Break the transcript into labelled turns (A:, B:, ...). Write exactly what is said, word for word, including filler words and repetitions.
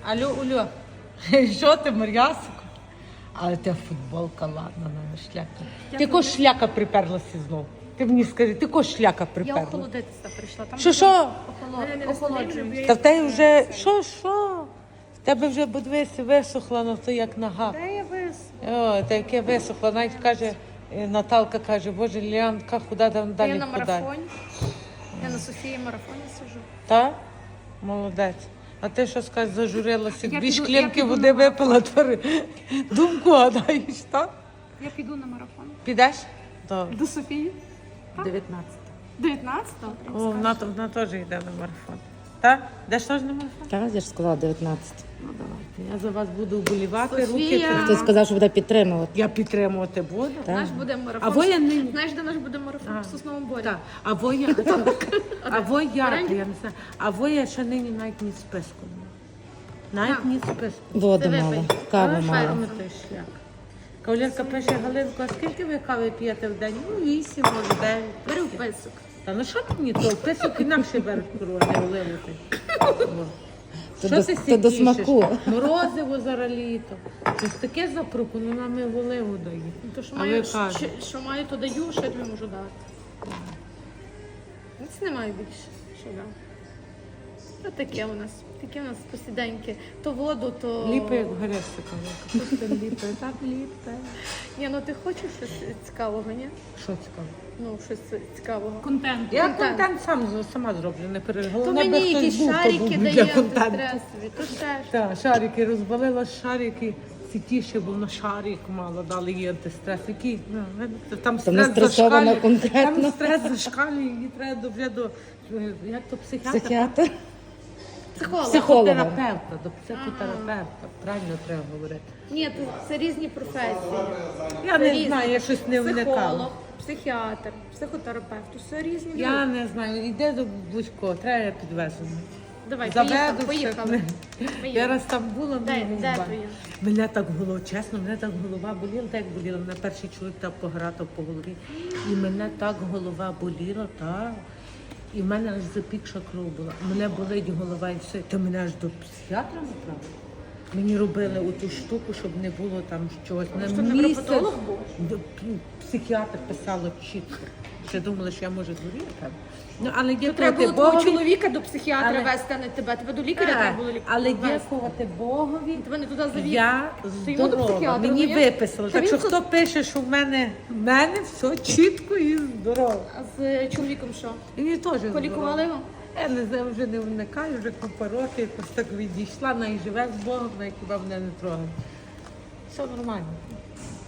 A: Алло, Улю, що ти, Мар'ясико? Але ти футболка, ладно, на шляка. Ти ко шляка приперлася знову? Ти мені скажи, ти ко шляка
B: Я
A: приперла?
B: охолодитися прийшла. Там
A: Що, що?
B: охолоджуюсь.
A: Та в тебе вже, що, що? В тебе вже, подивися, висохла, ну то як нога.
B: Де я вис?
A: О, та яке висохло. Навіть каже, е, Наталка каже, боже, Лілянка, худа там
B: Я
A: далі
B: на
A: худає.
B: марафоні. Я на Софії марафоні сижу.
A: Так? Молодець. А ти що скажеш, зажурилася?
B: Я
A: Дві
B: піду-
A: шклянки
B: я піду
A: води
B: на
A: випила, твори. Думку гадаєш, так?
B: Я піду на марафон.
A: Підеш? Добре.
B: До Софії.
A: дев'ятнадцять.
B: дев'ятнадцятого?
A: О, вона, вона теж йде на марафон. Так? Йдеш теж на марафон?
C: Так, я ж сказала дев'ятнадцять.
A: Ну давайте. Я за вас буду вболівати, руки.
B: Софія.
A: тримати.
C: Хтось сказав, що буде підтримувати.
A: Я підтримувати буду.
C: Так.
B: Наш буде марафон.
A: А ви я нині.
B: Знаєш, де наш буде марафон?
A: А.
B: В Сосновому Борі.
A: Так. А ви я, а ви я,
B: Вареники?
A: я не знаю. А ви я ще нині навіть ні списку не маю. Навіть
B: А.
A: ні списку.
C: Воду
B: Це
C: мало,
B: випий.
C: каву
A: А,
C: мало.
A: файно той шлях. Кавалерка пише, Галинко, а скільки ви кави п'єте в день? Ну, вісім, може, дев'ять.
B: Бери в писок.
A: Та ну що ти мені то? Писок інакше береш корова, не оливати.
C: То
A: Що
C: до-
A: ти
C: то до
A: сі
C: смаку.
A: тішиш? Морозиво зараз літо. Щось таке запропоную, нам і в оливу дає.
B: Ну, То, що
A: А
B: маю,
A: ви кажете?
B: що, що маю, то даю, що я тобі можу дати. Ніц не маю більше. Що дам? Ось таке у нас. Таке у нас посіденьки. То воду, то...
A: Ліпе, як горести, кавалерка. Просто ліпе, так ліпе.
B: Ні, ну ти хочеш щось цікавого, ні?
A: Що цікаво?
B: Ну, щось цікавого.
D: Контент.
A: Я
B: Контент.
A: контент сам з- сама зроблю, не переживай.
B: То
A: Головне,
B: мені
A: би хтось
B: якісь
A: був, хто
B: шарики
A: був
B: дає
A: для контенту.
B: антистресові, то теж.
A: Так, шарики розбалила шарики. Сітіше, бо на шарик мало дали їй антистрес. Який, ну, видите, там
C: То не
A: стрес
C: стресована
A: зашкалює.
C: конкретно.
A: Там стрес зашкалює, її треба до, вже до, е, як то психіатра?
C: Психіатр.
B: Психолог.
C: Психолога.
A: Психотерапевта, до психотерапевта, правильно треба говорити.
B: Ні, то це різні професії.
A: Я
B: Це
A: не
B: різні.
A: знаю, я щось не вникала.
B: Психолог, психіатр, психотерапевт. То все різні
A: Я
B: люди.
A: не знаю, йде до будь-кого, треба я підвезу.
B: Давай,
A: Заведу
B: поїхали,
A: все.
B: поїхали.
A: Я
B: Поїхали.
A: раз там була,
B: Де-
A: ну,
B: де
A: ба-
B: твоя?
A: мене так голова, чесно, мене так голова боліла, так як боліла. Мене перший чоловік так погратав по голові. І мене так голова боліла, так. І в мене аж запікша кров була. Мене болить голова і все. То мене аж до психіатра направили. Мені робили оту штуку, щоб не було там чогось. На
B: Що,
A: місяць
B: невропатолог був?
A: до- ну, психіатр писало чітко. Ще думала, що я можу згоріти. Ну, але
B: То
A: дякувати
B: треба було твого
A: Богові.
B: чоловіка до психіатра
A: Але-
B: вести, а не тебе. Тебе до лікаря
A: Так,
B: треба було лікаря.
A: але
B: вести.
A: дякувати Богові.
B: Тебе не туди завів.
A: Я
B: Ти йому до
A: здорова.
B: психіатра
A: Мені
B: завів?
A: виписали.
B: Що
A: Так
B: він
A: що
B: тут-
A: хто пише, що в мене в мене все чітко і здорово.
B: А з е, чоловіком що?
A: І мені теж
B: Полікували
A: здорово.
B: його?
A: Я не знаю, вже не вникаю, вже купа років, якось так відійшла, вона і живе з Богом, вона хіба мене не трогає. Все нормально.